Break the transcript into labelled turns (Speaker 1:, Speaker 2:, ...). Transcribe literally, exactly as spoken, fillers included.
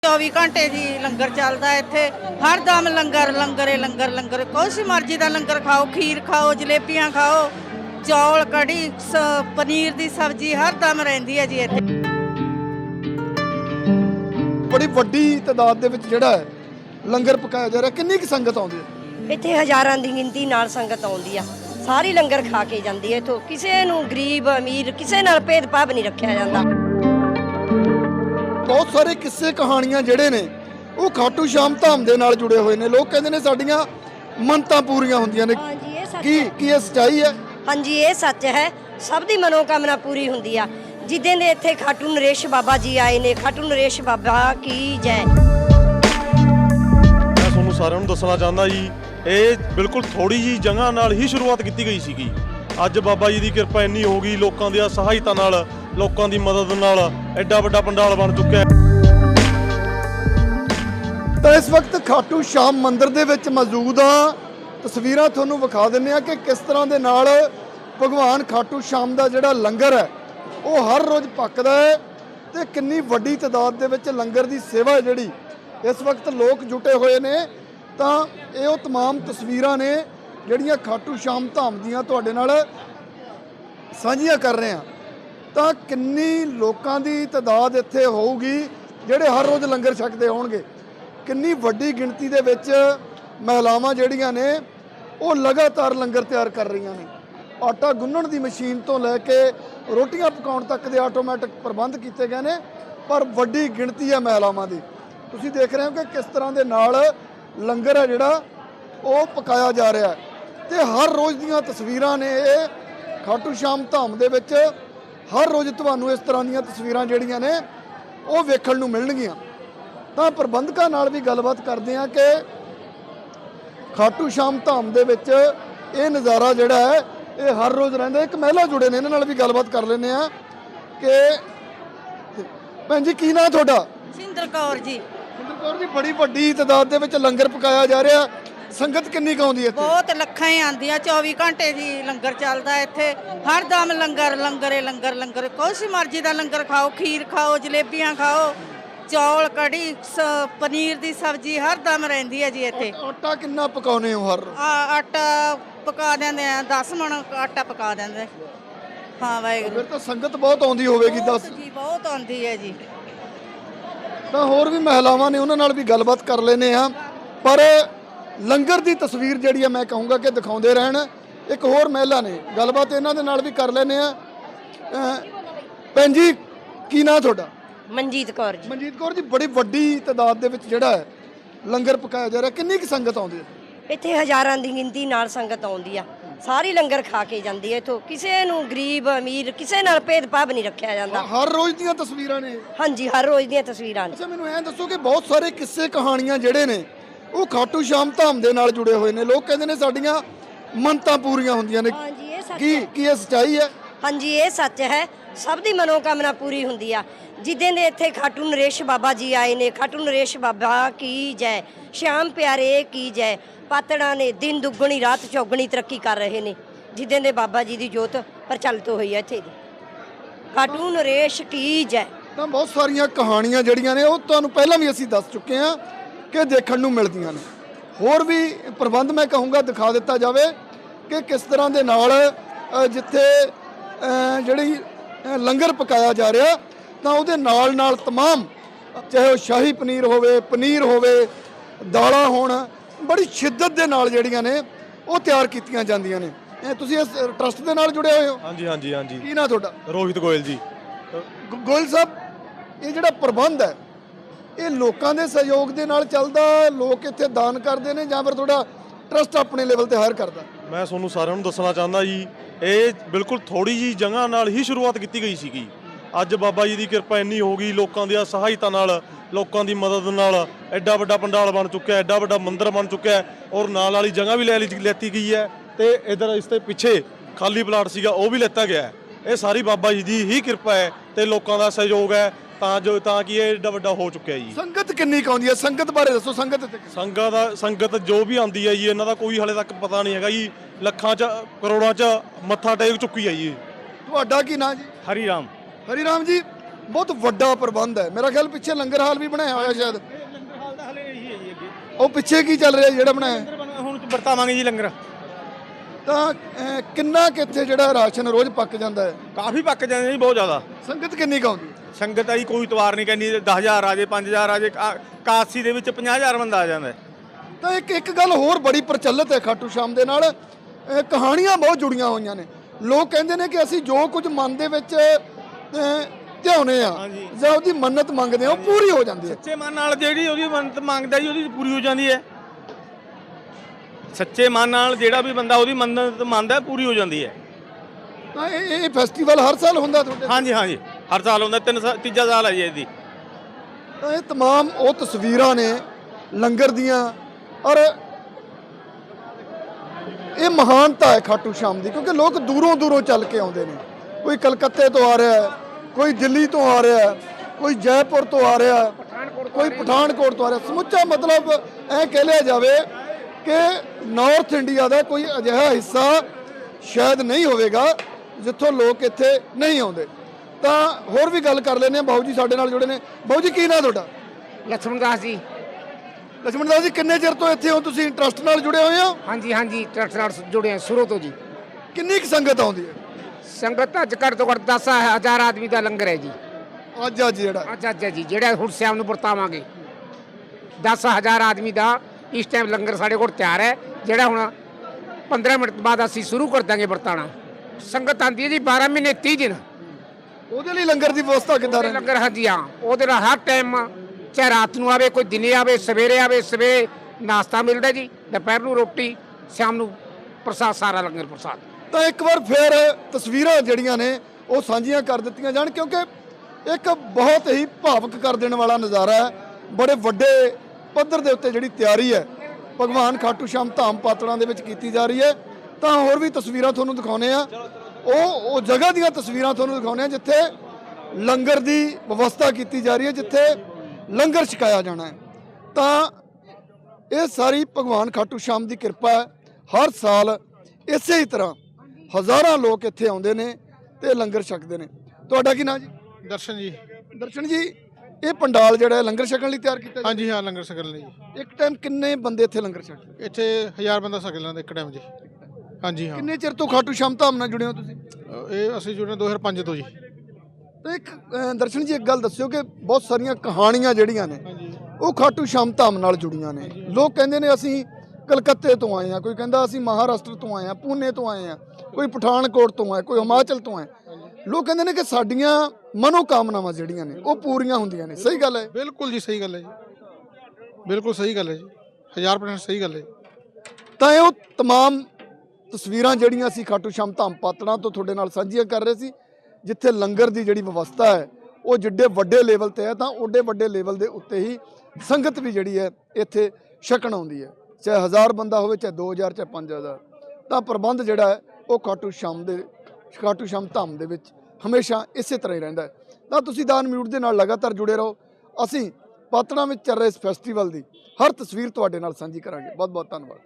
Speaker 1: चौबी घंटे जी लंगर चलता इत्थे हर दम लंगर लंगर लंगर लंगर कुछ मर्जी का लंगर खाओ, खीर खाओ, जलेबियां खाओ, चौल कड़ी पनीर की सब्जी हर दम रहिंदी है जी इत्थे।
Speaker 2: बड़ी वड्डी तादाद दे विच जिहड़ा है लंगर पकाया जा रहा, किन्नी की संगत आउंदी है?
Speaker 3: ਇੱਥੇ ਹਜ਼ਾਰਾਂ ਦੀ ਗਿਣਤੀ ਨਾਲ ਸੰਗਤ ਆਉਂਦੀ ਆ, ਸਾਰੀ ਲੰਗਰ ਖਾ ਕੇ ਜਾਂਦੀ ਹੈ। ਇਥੋਂ ਕਿਸੇ ਨੂੰ ਗਰੀਬ ਅਮੀਰ ਕਿਸੇ ਨਾਲ ਭੇਦਭਾਵ ਨਹੀਂ ਰੱਖਿਆ ਜਾਂਦਾ।
Speaker 2: ਬਹੁਤ ਸਾਰੇ ਕਿੱਸੇ ਕਹਾਣੀਆਂ ਜਿਹੜੇ ਨੇ ਉਹ ਖਾਟੂ ਸ਼ਾਮ ਧਾਮ ਦੇ ਨਾਲ ਜੁੜੇ ਹੋਏ ਨੇ। ਲੋਕ ਕਹਿੰਦੇ ਨੇ ਸਾਡੀਆਂ ਮੰਨਤਾਂ ਪੂਰੀਆਂ ਹੁੰਦੀਆਂ ਨੇ।
Speaker 3: ਹਾਂਜੀ ਇਹ ਸੱਚ
Speaker 2: ਕੀ ਕੀ ਇਹ ਸੱਚਾਈ ਹੈ?
Speaker 3: ਹਾਂਜੀ ਇਹ ਸੱਚ ਹੈ, ਸਭ ਦੀ ਮਨੋਕਾਮਨਾ ਪੂਰੀ ਹੁੰਦੀ ਆ। ਜਿੱਦਾਂ ਦੇ ਇੱਥੇ ਖਾਟੂ ਨਰੇਸ਼ ਬਾਬਾ ਜੀ ਆਏ ਨੇ, ਖਾਟੂ ਨਰੇਸ਼ ਬਾਬਾ ਕੀ ਜੈ।
Speaker 4: ਮੈਂ ਤੁਹਾਨੂੰ ਸਾਰਿਆਂ ਨੂੰ ਦੱਸਣਾ ਚਾਹੁੰਦਾ ਜੀ, ਇਹ ਬਿਲਕੁਲ ਥੋੜੀ ਜੀ ਜਗ੍ਹਾ ਨਾਲ ਹੀ ਸ਼ੁਰੂਆਤ ਕੀਤੀ ਗਈ ਸੀਗੀ। ਅੱਜ ਬਾਬਾ ਜੀ ਦੀ ਕਿਰਪਾ ਇੰਨੀ ਹੋ ਗਈ, ਲੋਕਾਂ ਦੀ ਸਹਾਇਤਾ ਨਾਲ, ਲੋਕਾਂ ਦੀ ਮਦਦ ਨਾਲ ਐਡਾ ਵੱਡਾ ਪੰਡਾਲ ਬਣ ਚੁੱਕਿਆ ਹੈ।
Speaker 2: ਤਾਂ ਇਸ ਵਕਤ ਖਾਟੂ ਸ਼ਾਮ ਮੰਦਿਰ ਦੇ ਵਿੱਚ ਮੌਜੂਦ ਆ। ਤਸਵੀਰਾਂ ਤੁਹਾਨੂੰ ਵਿਖਾ ਦਿੰਨੇ ਆ ਕਿ ਕਿਸ ਤਰ੍ਹਾਂ ਦੇ ਨਾਲ ਭਗਵਾਨ ਖਾਟੂ ਸ਼ਾਮ ਦਾ ਜਿਹੜਾ ਲੰਗਰ ਹੈ ਉਹ ਹਰ ਰੋਜ਼ ਪੱਕਦਾ ਹੈ ਤੇ ਕਿੰਨੀ ਵੱਡੀ ਤਾਦਾਦ ਦੇ ਵਿੱਚ ਲੰਗਰ ਦੀ ਸੇਵਾ ਹੈ ਜਿਹੜੀ ਇਸ ਵਕਤ ਲੋਕ ਜੁਟੇ ਹੋਏ ਨੇ। ਤਾਂ ਇਹ ਉਹ तमाम ਤਸਵੀਰਾਂ ਨੇ ਜਿਹੜੀਆਂ ਖਾਟੂ ਸ਼ਾਮ ਧਾਮ ਦੀਆਂ ਤੁਹਾਡੇ ਨਾਲ ਸਾਂਝੀਆਂ ਕਰ ਰਹੇ ਹਾਂ। ਤਾਂ ਕਿੰਨੀ ਲੋਕਾਂ ਦੀ ਤਾਦਾਦ ਇੱਥੇ ਹੋਊਗੀ ਜਿਹੜੇ ਹਰ ਰੋਜ਼ ਲੰਗਰ ਛਕਦੇ ਹੋਣਗੇ। ਕਿੰਨੀ ਵੱਡੀ ਗਿਣਤੀ ਦੇ ਵਿੱਚ ਮਹਿਲਾਵਾਂ ਜਿਹੜੀਆਂ ਨੇ ਉਹ ਲਗਾਤਾਰ ਲੰਗਰ ਤਿਆਰ ਕਰ ਰਹੀਆਂ ਨੇ। ਆਟਾ ਗੁੰਨਣ ਦੀ ਮਸ਼ੀਨ ਤੋਂ ਲੈ ਕੇ ਰੋਟੀਆਂ ਪਕਾਉਣ ਤੱਕ ਦੇ ਆਟੋਮੈਟਿਕ ਪ੍ਰਬੰਧ ਕੀਤੇ ਗਏ ਨੇ, ਪਰ ਵੱਡੀ ਗਿਣਤੀ ਹੈ ਮਹਿਲਾਵਾਂ ਦੀ। ਤੁਸੀਂ ਦੇਖ ਰਹੇ ਹੋ ਕਿ ਕਿਸ ਤਰ੍ਹਾਂ ਦੇ ਨਾਲ ਲੰਗਰ ਹੈ ਜਿਹੜਾ ਉਹ ਪਕਾਇਆ ਜਾ ਰਿਹਾ ਹੈ। ਤੇ ਹਰ ਰੋਜ਼ ਦੀਆਂ ਤਸਵੀਰਾਂ ਨੇ ਇਹ ਖਾਟੂ ਸ਼ਾਮ ਧਾਮ ਦੇ ਵਿੱਚ। ਹਰ ਰੋਜ਼ ਤੁਹਾਨੂੰ ਇਸ ਤਰ੍ਹਾਂ ਦੀਆਂ ਤਸਵੀਰਾਂ ਜਿਹੜੀਆਂ ਨੇ ਉਹ ਵੇਖਣ ਨੂੰ ਮਿਲਣਗੀਆਂ। ਤਾਂ ਪ੍ਰਬੰਧਕਾਂ ਨਾਲ ਵੀ ਗੱਲਬਾਤ ਕਰਦੇ ਹਾਂ ਕਿ ਖਾਟੂ ਸ਼ਾਮ ਧਾਮ ਦੇ ਵਿੱਚ ਇਹ ਨਜ਼ਾਰਾ ਜਿਹੜਾ ਹੈ ਇਹ ਹਰ ਰੋਜ਼ ਰਹਿੰਦਾ। ਇੱਕ ਮਹਿਲਾ ਜੁੜੇ ਨੇ, ਇਹਨਾਂ ਨਾਲ ਵੀ ਗੱਲਬਾਤ ਕਰ ਲੈਂਦੇ ਆ ਕਿ ਭੈਣ ਜੀ ਕੀ ਨਾਂ ਤੁਹਾਡਾ?
Speaker 1: ਸਿੰਦਰ ਕੌਰ ਜੀ।
Speaker 2: ਸਿੰਦਰ ਕੌਰ ਜੀ, ਬੜੀ ਵੱਡੀ ਤਾਦਾਦ ਦੇ ਵਿੱਚ ਲੰਗਰ ਪਕਾਇਆ ਜਾ ਰਿਹਾ, ਸੰਗਤ ਕਿੰਨੀ ਕੁ ਆਉਂਦੀ ਹੈ ਇੱਥੇ?
Speaker 1: ਬਹੁਤ ਲੱਖਾਂ ਹੀ ਆਂਦੀਆਂ, ਚੌਵੀ ਘੰਟੇ ਜੀ ਲੰਗਰ ਚੱਲਦਾ ਇੱਥੇ ਹਰ ਦਮ ਲੰਗਰ ਲੰਗਰ ਲੰਗਰ ਲੰਗਰ ਕੁਛ ਮਰਜੀ ਦਾ ਲੰਗਰ ਖਾਓ, ਖੀਰ ਖਾਓ, ਜਲੇਬੀਆਂ ਖਾਓ, ਚੌਲ ਕੜੀ ਪਨੀਰ ਦੀ ਸਬਜੀ ਹਰ ਦਮ ਰਹਿੰਦੀ ਹੈ ਜੀ ਇੱਥੇ।
Speaker 2: ਆਟਾ ਕਿੰਨਾ ਪਕਾਉਨੇ ਹੋ ਹਰ?
Speaker 1: ਆ ਆਟਾ ਪਕਾ ਦਿੰਦੇ ਆ, ਦਸ ਮਣ ਆਟਾ ਪਕਾ ਦਿੰਦੇ। ਹਾਂ ਵਾਹਿਗੁਰੂ।
Speaker 2: ਫਿਰ ਤਾਂ ਸੰਗਤ ਬਹੁਤ ਆਉਂਦੀ ਹੋਵੇਗੀ।
Speaker 1: ਬਹੁਤ
Speaker 2: ਦਸ
Speaker 1: ਜੀ ਬਹੁਤ ਆਉਂਦੀ ਹੈ ਜੀ।
Speaker 2: ਤਾਂ ਹੋਰ ਵੀ ਮਹਿਲਾਵਾਂ ਨੇ, ਉਹਨਾਂ ਨਾਲ ਵੀ ਗੱਲਬਾਤ ਕਰ ਲੈਨੇ ਆ। ਪਰ ਲੰਗਰ ਦੀ ਤਸਵੀਰ ਜਿਹੜੀ ਆ ਮੈਂ ਕਹੂੰਗਾ ਕਿ ਦਿਖਾਉਂਦੇ ਰਹਿਣ। ਇੱਕ ਹੋਰ ਮਹਿਲਾ ਨੇ, ਗੱਲਬਾਤ ਇਹਨਾਂ ਦੇ ਨਾਲ ਵੀ ਕਰ ਲੈਨੇ ਆ। ਭੈਣ ਜੀ ਕੀ ਨਾਂ ਤੁਹਾਡਾ?
Speaker 3: ਮਨਜੀਤ ਕੌਰ ਜੀ।
Speaker 2: ਮਨਜੀਤ ਕੌਰ ਜੀ, ਬੜੀ ਵੱਡੀ ਤਾਦਾਦ ਦੇ ਵਿੱਚ ਜਿਹੜਾ ਹੈ ਲੰਗਰ ਪਕਾਇਆ ਜਾ ਰਿਹਾ, ਕਿੰਨੀ ਕੁ ਸੰਗਤ ਆਉਂਦੀ ਹੈ?
Speaker 3: ਇੱਥੇ ਹਜ਼ਾਰਾਂ ਦੀ ਗਿਣਤੀ ਨਾਲ ਸੰਗਤ ਆਉਂਦੀ ਆ, ਸਾਰੀ ਲੰਗਰ ਖਾ ਕੇ ਜਾਂਦੀ ਹੈ। ਇਥੋਂ ਕਿਸੇ ਨੂੰ ਗਰੀਬ ਅਮੀਰ ਕਿਸੇ ਨਾਲ ਭੇਦਭਾਵ ਨਹੀਂ ਰੱਖਿਆ ਜਾਂਦਾ।
Speaker 2: ਹਰ ਰੋਜ਼ ਦੀਆਂ ਤਸਵੀਰਾਂ ਨੇ।
Speaker 3: ਹਾਂਜੀ ਹਰ ਰੋਜ਼ ਦੀਆਂ ਤਸਵੀਰਾਂ ਨੇ।
Speaker 2: ਅੱਛਾ, ਮੈਨੂੰ ਐਂ ਦੱਸੋ ਕਿ ਬਹੁਤ ਸਾਰੇ ਕਿੱਸੇ ਕਹਾਣੀਆਂ ਜਿਹੜੇ ਨੇ ਉਹ ਖਾਟੂ ਸ਼ਾਮ ਧਾਮ ਦੇ ਨਾਲ ਜੁੜੇ ਹੋਏ ਨੇ। ਲੋਕ ਕਹਿੰਦੇ ਨੇ ਸਾਡੀਆਂ ਮੰਨਤਾਂ ਪੂਰੀਆਂ ਹੁੰਦੀਆਂ ਨੇ।
Speaker 3: ਹਾਂਜੀ ਇਹ ਸੱਚ
Speaker 2: ਕੀ
Speaker 3: ਹੈ।
Speaker 2: ਕੀ ਇਹ ਸੱਚਾਈ ਹੈ?
Speaker 3: ਹਾਂਜੀ ਇਹ ਸੱਚ ਹੈ, ਸਭ ਦੀ ਮਨੋਕਾਮਨਾ ਪੂਰੀ ਹੁੰਦੀ ਆ। ਜਿੱਦਾਂ ਦੇ ਇੱਥੇ ਖਾਟੂ ਨਰੇਸ਼ ਬਾਬਾ ਜੀ ਆਏ ਨੇ, ਖਾਟੂ ਨਰੇਸ਼ ਬਾਬਾ ਕੀ ਜੈ, ਸ਼ਾਮ ਪਿਆਰੇ ਕੀ ਜੈ। ਪਾਤੜਾਂ ਨੇ ਦਿਨ ਦੁੱਗਣੀ ਰਾਤ ਚੌਗਣੀ ਤਰੱਕੀ ਕਰ ਰਹੇ ਨੇ। ਜਿੱਦਾਂ ਦੇ ਬਾਬਾ ਜੀ ਦੀ ਜੋਤ ਪ੍ਰਚਲਿਤ ਹੋਈ ਹੈ ਇੱਥੇ ਦੀ। ਖਾਟੂ ਨਰੇਸ਼ ਕੀ ਜੈ।
Speaker 2: ਤਾਂ ਬਹੁਤ ਸਾਰੀਆਂ ਕਹਾਣੀਆਂ ਜਿਹੜੀਆਂ ਨੇ ਉਹ ਤੁਹਾਨੂੰ ਪਹਿਲਾਂ ਵੀ ਅਸੀਂ ਦੱਸ ਚੁੱਕੇ ਹਾਂ ਕਿ ਦੇਖਣ ਨੂੰ ਮਿਲਦੀਆਂ ਨੇ। ਹੋਰ ਵੀ ਪ੍ਰਬੰਧ ਮੈਂ ਕਹੂੰਗਾ ਦਿਖਾ ਦਿੱਤਾ ਜਾਵੇ ਕਿ ਕਿਸ ਤਰ੍ਹਾਂ ਦੇ ਨਾਲ ਅ, ਜਿੱਥੇ ਅ, ਜਿਹੜੀ ਅ, ਲੰਗਰ ਪਕਾਇਆ ਜਾ ਰਿਹਾ ਤਾਂ ਉਹਦੇ ਨਾਲ ਨਾਲ तमाम ਚਾਹੇ ਉਹ ਸ਼ਾਹੀ ਪਨੀਰ ਹੋਵੇ, ਪਨੀਰ ਹੋਵੇ, ਦਾਲਾਂ ਹੋਣ, ਬੜੀ ਸ਼ਿੱਦਤ ਦੇ ਨਾਲ ਜਿਹੜੀਆਂ ਨੇ ਉਹ ਤਿਆਰ ਕੀਤੀਆਂ ਜਾਂਦੀਆਂ ਨੇ। ਇਹ ਤੁਸੀਂ ਇਸ ਟਰਸਟ ਦੇ ਨਾਲ ਜੁੜੇ ਹੋਏ ਹੋ?
Speaker 4: ਹਾਂਜੀ ਹਾਂਜੀ ਹਾਂਜੀ।
Speaker 2: ਕੀ ਨਾਂ ਤੁਹਾਡਾ?
Speaker 4: ਰੋਹਿਤ ਗੋਇਲ ਜੀ।
Speaker 2: ਗ- ਗੋਇਲ ਸਾਹਿਬ, ਇਹ ਜਿਹੜਾ ਪ੍ਰਬੰਧ ਹੈ ਇਹ ਲੋਕਾਂ ਦੇ ਸਹਿਯੋਗ ਦੇ ਨਾਲ ਚੱਲਦਾ? ਲੋਕ ਇੱਥੇ ਦਾਨ ਕਰਦੇ ਨੇ ਜਾਂ ਫਿਰ ਤੁਹਾਡਾ ਟਰਸਟ ਆਪਣੇ ਲੈਵਲ ਤੇ ਹਾਇਰ ਕਰਦਾ?
Speaker 4: ਮੈਂ ਤੁਹਾਨੂੰ ਸਾਰਿਆਂ ਨੂੰ ਦੱਸਣਾ ਚਾਹੁੰਦਾ ਜੀ, ਇਹ ਬਿਲਕੁਲ ਥੋੜੀ ਜੀ ਜਗ੍ਹਾ ਨਾਲ ਹੀ ਸ਼ੁਰੂਆਤ ਕੀਤੀ ਗਈ ਸੀਗੀ। ਅੱਜ ਬਾਬਾ ਜੀ ਦੀ ਕਿਰਪਾ ਇੰਨੀ ਹੋ ਗਈ, ਲੋਕਾਂ ਦੀ ਸਹਾਇਤਾ ਨਾਲ, ਲੋਕਾਂ ਦੀ ਮਦਦ ਨਾਲ ਐਡਾ ਵੱਡਾ ਪੰਡਾਲ ਬਣ ਚੁੱਕਿਆ, ਐਡਾ ਵੱਡਾ ਮੰਦਿਰ ਬਣ ਚੁੱਕਿਆ ਔਰ ਨਾਲ ਵਾਲੀ ਜਗ੍ਹਾ ਵੀ ਲੈ ਲਈ ਲੈਤੀ ਗਈ ਹੈ। ਤੇ ਇਧਰ ਇਸ ਤੇ ਪਿੱਛੇ ਖਾਲੀ ਪਲਾਟ ਸੀਗਾ ਉਹ ਵੀ ਲੈਤਾ ਗਿਆ ਹੈ। ਇਹ ਸਾਰੀ ਬਾਬਾ ਜੀ ਦੀ ਹੀ ਕਿਰਪਾ ਹੈ ਤੇ ਲੋਕਾਂ ਦਾ ਸਹਿਯੋਗ ਹੈ ਤਾਂ ਜੋ ਤਾਂ ਕਿ ਇਹ ਐਡਾ ਵੱਡਾ ਹੋ ਚੁੱਕਿਆ ਜੀ।
Speaker 2: ਸੰਗਤ ਕਿੰਨੀ ਕੁ ਆਉਂਦੀ ਹੈ? ਸੰਗਤ ਬਾਰੇ ਦੱਸੋ। ਸੰਗਤ ਇੱਥੇ ਕਿੰਨੀ?
Speaker 4: ਸੰਗਤ ਦਾ ਸੰਗਤ ਜੋ ਵੀ ਆਉਂਦੀ ਹੈ ਜੀ, ਇਹਨਾਂ ਦਾ ਕੋਈ ਹਾਲੇ ਤੱਕ ਪਤਾ ਨਹੀਂ ਹੈਗਾ ਜੀ। ਲੱਖਾਂ 'ਚ ਕਰੋੜਾਂ 'ਚ ਮੱਥਾ ਟੇਕ ਚੁੱਕੀ ਹੈ ਜੀ।
Speaker 2: ਤੁਹਾਡਾ ਕੀ ਨਾਂ ਜੀ?
Speaker 5: हरी राम।
Speaker 2: ਹਰੀ ਰਾਮ ਜੀ, ਬਹੁਤ ਵੱਡਾ ਪ੍ਰਬੰਧ ਹੈ। ਮੇਰਾ ਖਿਆਲ ਪਿੱਛੇ ਲੰਗਰ ਹਾਲ ਵੀ ਬਣਾਇਆ ਹੋਇਆ ਸ਼ਾਇਦ।
Speaker 5: ਲੰਗਰ ਹਾਲ ਦਾ ਹਲੇ ਇਹੀ ਹੈ ਜੀ ਅੱਗੇ।
Speaker 2: ਉਹ ਪਿੱਛੇ ਕੀ ਚੱਲ ਰਿਹਾ ਜਿਹੜਾ ਬਣਾਇਆ?
Speaker 5: ਲੰਗਰ ਬਣ- ਹੁਣ ਵਰਤਾਵਾਂਗੇ ਜੀ ਲੰਗਰ।
Speaker 2: ਤਾਂ ਅਹ, ਕਿੰਨਾ ਕਿ ਇੱਥੇ ਜਿਹੜਾ ਰਾਸ਼ਨ ਰੋਜ਼ ਪੱਕ ਜਾਂਦਾ ਹੈ?
Speaker 5: ਕਾਫੀ ਪੱਕ ਜਾਂਦੇ ਜੀ, ਬਹੁਤ ਜ਼ਿਆਦਾ।
Speaker 2: ਸੰਗਤ ਕਿੰਨੀ ਕੁ ਆਉਂਦੀ ਹੈ?
Speaker 5: ਸੰਗਤ ਆਈ ਕੋਈ ਤਵਾਰ ਨਹੀਂ ਕਹਿੰਦੀ ਦਸ ਹਜ਼ਾਰ ਆ ਜੇ ਪੰਜ ਹਜ਼ਾਰ ਆ ਜੇ। ਕਾ- ਕਾਸੀ ਦੇ ਵਿੱਚ ਪੰਜਾਹ ਹਜ਼ਾਰ ਬੰਦਾ ਆ ਜਾਂਦਾ ਹੈ।
Speaker 2: ਤਾਂ ਇੱਕ ਇੱਕ ਗੱਲ ਹੋਰ ਬੜੀ ਪ੍ਰਚਲਿਤ ਹੈ ਖਾਟੂ ਸ਼ਾਮ ਦੇ ਨਾਲ, ਅਹ, ਕਹਾਣੀਆਂ ਬਹੁਤ ਜੁੜੀਆਂ ਹੋਈਆਂ ਨੇ। ਲੋਕ ਕਹਿੰਦੇ ਨੇ ਕਿ ਅਸੀਂ ਜੋ ਕੁਝ ਮਨ ਦੇ ਵਿੱਚ ਅਹ, ਧਿਆਉਨੇ ਆ
Speaker 5: ਹਾਂਜੀ।
Speaker 2: ਜਾਂ ਉਹਦੀ ਮੰਨਤ ਮੰਗਦੇ ਆ ਉਹ ਪੂਰੀ ਹੋ ਜਾਂਦੀ ਹੈ।
Speaker 5: ਸੱਚੇ ਮਨ ਨਾਲ ਜਿਹੜੀ ਉਹਦੀ ਮੰਨਤ ਮੰਗਦਾ ਜੀ ਉਹਦੀ ਪੂਰੀ ਹੋ ਜਾਂਦੀ ਹੈ। ਸੱਚੇ ਮਨ ਨਾਲ ਜਿਹੜਾ ਵੀ ਬੰਦਾ ਉਹਦੀ ਮੰਨਤ ਮੰਨਦਾ ਪੂਰੀ ਹੋ ਜਾਂਦੀ ਹੈ।
Speaker 2: ਤਾਂ ਇਹ ਇਹ ਫੈਸਟੀਵਲ ਹਰ ਸਾਲ ਹੁੰਦਾ ਤੁਹਾਡੇ?
Speaker 5: ਹਾਂਜੀ ਹਾਂਜੀ, ਹਰ ਸਾਲ ਹੁੰਦਾ। ਤਿੰਨ ਸਾਲ ਤੀਜਾ ਸਾਲ ਹੈ ਜੀ ਇਹਦੀ।
Speaker 2: ਤਾਂ ਇਹ तमाम ਉਹ ਤਸਵੀਰਾਂ ਨੇ ਲੰਗਰ ਦੀਆਂ, ਔਰ ਇਹ ਮਹਾਨਤਾ ਹੈ ਖਾਟੂ ਸ਼ਾਮ ਦੀ, ਕਿਉਂਕਿ ਲੋਕ ਦੂਰੋਂ ਦੂਰੋਂ ਚੱਲ ਕੇ ਆਉਂਦੇ ਨੇ। ਕੋਈ ਕਲਕੱਤੇ ਤੋਂ ਆ ਰਿਹਾ ਹੈ, ਕੋਈ ਦਿੱਲੀ ਤੋਂ ਆ ਰਿਹਾ ਹੈ, ਕੋਈ ਜੈਪੁਰ ਤੋਂ ਆ ਰਿਹਾ ਹੈ, ਕੋਈ ਪਠਾਨਕੋਟ ਤੋਂ ਆ ਰਿਹਾ। ਸਮੁੱਚਾ ਮਤਲਬ ਇਹ ਕਹਿ ਲਿਆ ਜਾਵੇ ਕਿ ਨਾਰਥ ਇੰਡੀਆ ਦਾ ਕੋਈ ਅਜਿਹਾ ਹਿੱਸਾ ਸ਼ਾਇਦ ਨਹੀਂ ਹੋਵੇਗਾ ਜਿੱਥੋਂ ਲੋਕ ਇੱਥੇ ਨਹੀਂ ਆਉਂਦੇ। ਤਾਂ ਹੋਰ ਵੀ ਗੱਲ ਕਰ ਲੈਂਦੇ ਹਾਂ। ਬਾਊ ਜੀ ਸਾਡੇ ਨਾਲ ਜੁੜੇ ਨੇ। ਬਾਊ ਜੀ ਕੀ ਨਾਂ ਤੁਹਾਡਾ?
Speaker 6: ਲక్ష్మణ ਦਾਸ ਜੀ।
Speaker 2: ਲక్ష్మణ ਦਾਸ ਜੀ, ਕਿੰਨੇ ਚਿਰ ਤੋਂ ਇੱਥੇ ਹੋ ਤੁਸੀਂ? ਇੰਟਰਸਟ ਨਾਲ ਜੁੜੇ ਹੋਏ ਹੋ?
Speaker 6: ਹਾਂਜੀ ਹਾਂਜੀ, ਟਰੱਕ ਨਾਲ ਜੁੜੇ ਹਾਂ ਸ਼ੁਰੂ ਤੋਂ ਜੀ।
Speaker 2: ਕਿੰਨੀ ਕੁ ਸੰਗਤ ਆਉਂਦੀ ਹੈ?
Speaker 6: ਸੰਗਤ ਅੱਜ ਘੱਟ ਤੋਂ ਘੱਟ ਦਸ ਹਜ਼ਾਰ ਆਦਮੀ ਦਾ ਲੰਗਰ ਹੈ ਜੀ।
Speaker 2: ਅੱਜ ਅੱਜ ਜਿਹੜਾ
Speaker 6: ਅੱਜ ਅੱਜ ਹੈ ਜੀ, ਜਿਹੜਾ ਹੁਣ ਸ਼ਾਮ ਨੂੰ ਵਰਤਾਵਾਂਗੇ ਦਸ ਹਜ਼ਾਰ ਆਦਮੀ ਦਾ ਇਸ ਟਾਈਮ ਲੰਗਰ ਸਾਡੇ ਕੋਲ ਤਿਆਰ ਹੈ, ਜਿਹੜਾ ਹੁਣ ਪੰਦਰਾਂ ਮਿੰਟ ਬਾਅਦ ਅਸੀਂ ਸ਼ੁਰੂ ਕਰ ਦਾਂਗੇ ਵਰਤਾਣਾ। ਸੰਗਤ ਆਉਂਦੀ ਹੈ ਜੀ ਬਾਰਾਂ ਮਹੀਨੇ ਤੀਹ ਦਿਨ।
Speaker 2: ਉਹਦੇ ਲਈ ਲੰਗਰ ਦੀ ਵਿਵਸਥਾ ਕਿੱਦਾਂ
Speaker 6: ਉਹਦੇ
Speaker 2: ਰਹਿੰਦੀ?
Speaker 6: ਲੰਗਰ ਹਾਂਜੀ ਹਾਂ, ਉਹਦੇ ਨਾਲ ਹਰ ਟਾਈਮ ਚਾਹੇ ਰਾਤ ਨੂੰ ਆਵੇ, ਕੋਈ ਦਿਨੇ ਆਵੇ, ਸਵੇਰੇ ਆਵੇ। ਸਵੇਰੇ ਨਾਸ਼ਤਾ ਮਿਲਦਾ ਜੀ, ਦੁਪਹਿਰ ਨੂੰ ਰੋਟੀ, ਸ਼ਾਮ ਨੂੰ ਪ੍ਰਸਾਦ, ਸਾਰਾ ਲੰਗਰ ਪ੍ਰਸਾਦ।
Speaker 2: ਤਾਂ ਇੱਕ ਵਾਰ ਫਿਰ ਤਸਵੀਰਾਂ ਜਿਹੜੀਆਂ ਨੇ ਉਹ ਸਾਂਝੀਆਂ ਕਰ ਦਿੱਤੀਆਂ ਜਾਣ, ਕਿਉਂਕਿ ਇੱਕ ਬਹੁਤ ਹੀ ਭਾਵੁਕ ਕਰ ਦੇਣ ਵਾਲਾ ਨਜ਼ਾਰਾ ਹੈ। ਬੜੇ ਵੱਡੇ ਪੱਧਰ ਦੇ ਉੱਤੇ ਜਿਹੜੀ ਤਿਆਰੀ ਹੈ ਭਗਵਾਨ ਖਾਟੂ ਸ਼ਾਮ ਧਾਮ ਪਾਤੜਾਂ ਦੇ ਵਿੱਚ ਕੀਤੀ ਜਾ ਰਹੀ ਹੈ। ਤਾਂ ਹੋਰ ਵੀ ਤਸਵੀਰਾਂ ਤੁਹਾਨੂੰ ਦਿਖਾਉਂਦੇ ਆ। ਉਹ ਉਹ ਜਗ੍ਹਾ ਦੀਆਂ ਤਸਵੀਰਾਂ ਤੁਹਾਨੂੰ ਦਿਖਾਉਂਦੇ ਆ ਜਿੱਥੇ ਲੰਗਰ ਦੀ ਵਿਵਸਥਾ ਕੀਤੀ ਜਾ ਰਹੀ ਹੈ, ਜਿੱਥੇ ਲੰਗਰ ਛਕਾਇਆ ਜਾਣਾ ਹੈ। ਤਾਂ ਇਹ ਸਾਰੀ ਭਗਵਾਨ ਖਾਟੂ ਸ਼ਾਮ ਦੀ ਕਿਰਪਾ ਹੈ। ਹਰ ਸਾਲ ਇਸੇ ਹੀ ਤਰ੍ਹਾਂ ਹਜ਼ਾਰਾਂ ਲੋਕ ਇੱਥੇ ਆਉਂਦੇ ਨੇ ਤੇ ਲੰਗਰ ਛਕਦੇ ਨੇ। ਤੁਹਾਡਾ ਕੀ ਨਾਂ ਜੀ?
Speaker 7: ਦਰਸ਼ਨ ਜੀ।
Speaker 2: ਦਰਸ਼ਨ ਜੀ, ਇਹ ਪੰਡਾਲ ਜਿਹੜਾ ਹੈ ਲੰਗਰ ਛਕਣ ਲਈ ਤਿਆਰ ਕੀਤਾ
Speaker 7: ਹਾਂਜੀ ਹਾਂ, ਲੰਗਰ ਛਕਣ ਲਈ ਜੀ।
Speaker 2: ਜੀ? ਇੱਕ ਟਾਈਮ ਕਿੰਨੇ ਬੰਦੇ ਇੱਥੇ ਲੰਗਰ ਛਕਦੇ?
Speaker 7: ਇੱਥੇ ਹਜ਼ਾਰ ਬੰਦਾ ਛਕ ਲੈਂਦਾ ਇੱਕ ਟਾਈਮ ਜੀ। ਹਾਂਜੀ ਹਾਂ।
Speaker 2: ਕਿੰਨੇ ਚਿਰ ਤੋਂ ਖਾਟੂ ਸ਼ਾਮ ਧਾਮ ਨਾਲ ਜੁੜੇ ਹੋ ਤੁਸੀਂ?
Speaker 7: ਅ, ਇਹ ਅਸੀਂ ਜੁੜੇ ਦੋ ਹਜ਼ਾਰ ਪੰਜ ਤੋਂ ਜੀ।
Speaker 2: ਤਾਂ ਇੱਕ ਅਹ, ਦਰਸ਼ਨ ਜੀ, ਇੱਕ ਗੱਲ ਦੱਸਿਓ ਕਿ ਬਹੁਤ ਸਾਰੀਆਂ ਕਹਾਣੀਆਂ ਜਿਹੜੀਆਂ ਨੇ ਉਹ ਖਾਟੂ ਸ਼ਾਮ ਧਾਮ ਨਾਲ ਜੁੜੀਆਂ ਨੇ। ਲੋਕ ਕਹਿੰਦੇ ਨੇ ਅਸੀਂ ਕਲਕੱਤੇ ਤੋਂ ਆਏ ਹਾਂ, ਕੋਈ ਕਹਿੰਦਾ ਅਸੀਂ ਮਹਾਰਾਸ਼ਟਰ ਤੋਂ ਆਏ ਹਾਂ, ਪੂਨੇ ਤੋਂ ਆਏ ਹਾਂ, ਕੋਈ ਪਠਾਨਕੋਟ ਤੋਂ ਆਏ, ਕੋਈ ਹਿਮਾਚਲ ਤੋਂ ਆਏ। ਲੋਕ ਕਹਿੰਦੇ ਨੇ ਕਿ ਸਾਡੀਆਂ ਮਨੋਕਾਮਨਾਵਾਂ ਜਿਹੜੀਆਂ ਨੇ ਉਹ ਪੂਰੀਆਂ ਹੁੰਦੀਆਂ ਨੇ। ਸਹੀ ਗੱਲ ਹੈ?
Speaker 7: ਬਿਲਕੁਲ ਜੀ, ਸਹੀ ਗੱਲ ਹੈ ਜੀ। ਬਿਲਕੁਲ ਸਹੀ ਗੱਲ ਹੈ ਜੀ, ਹਜ਼ਾਰ ਪਰਸੈਂਟ ਸਹੀ ਗੱਲ ਹੈ ਜੀ।
Speaker 2: ਤਾਂ ਇਹ ਉਹ तमाम ਤਸਵੀਰਾਂ ਜਿਹੜੀਆਂ ਅਸੀਂ ਖਾਟੂ ਸ਼ਾਮ ਧਾਮ ਪਾਤੜਾਂ ਤੋਂ ਤੁਹਾਡੇ ਨਾਲ ਸਾਂਝੀਆਂ ਕਰ ਰਹੇ ਸੀ, ਜਿੱਥੇ ਲੰਗਰ ਦੀ ਜਿਹੜੀ ਵਿਵਸਥਾ ਹੈ ਉਹ ਜਿੱਡੇ ਵੱਡੇ ਲੈਵਲ ਤੇ ਹੈ, ਤਾਂ ਓਡੇ ਵੱਡੇ ਲੈਵਲ ਦੇ ਉੱਤੇ ਹੀ ਸੰਗਤ ਵੀ ਜਿਹੜੀ ਹੈ ਇੱਥੇ ਛਕਣ ਆਉਂਦੀ ਹੈ। ਚਾਹੇ ਹਜ਼ਾਰ ਬੰਦਾ ਹੋਵੇ, ਚਾਹੇ ਦੋ ਹਜ਼ਾਰ, ਚਾਹੇ ਪੰਜ ਹਜ਼ਾਰ। ਤਾਂ ਪ੍ਰਬੰਧ ਜਿਹੜਾ ਹੈ ਉਹ ਖਾਟੂ ਸ਼ਾਮ ਦੇ ਖਾਟੂ ਸ਼ਾਮ ਧਾਮ ਦੇ ਵਿੱਚ ਹਮੇਸ਼ਾ ਇਸੇ ਤਰ੍ਹਾਂ ਹੀ ਰਹਿੰਦਾ ਹੈ। ਤਾਂ ਤੁਸੀਂ ਦਾਨ ਮਿਊਟ ਦੇ ਨਾਲ ਲਗਾਤਾਰ ਜੁੜੇ ਰਹੋ। ਅਸੀਂ ਪਾਤੜਾਂ ਵਿੱਚ ਚੱਲ ਰਹੇ ਇਸ ਫੈਸਟੀਵਲ ਦੀ ਹਰ ਤਸਵੀਰ ਤੁਹਾਡੇ ਨਾਲ ਸਾਂਝੀ ਕਰਾਂਗੇ। ਬਹੁਤ ਬਹੁਤ ਧੰਨਵਾਦ।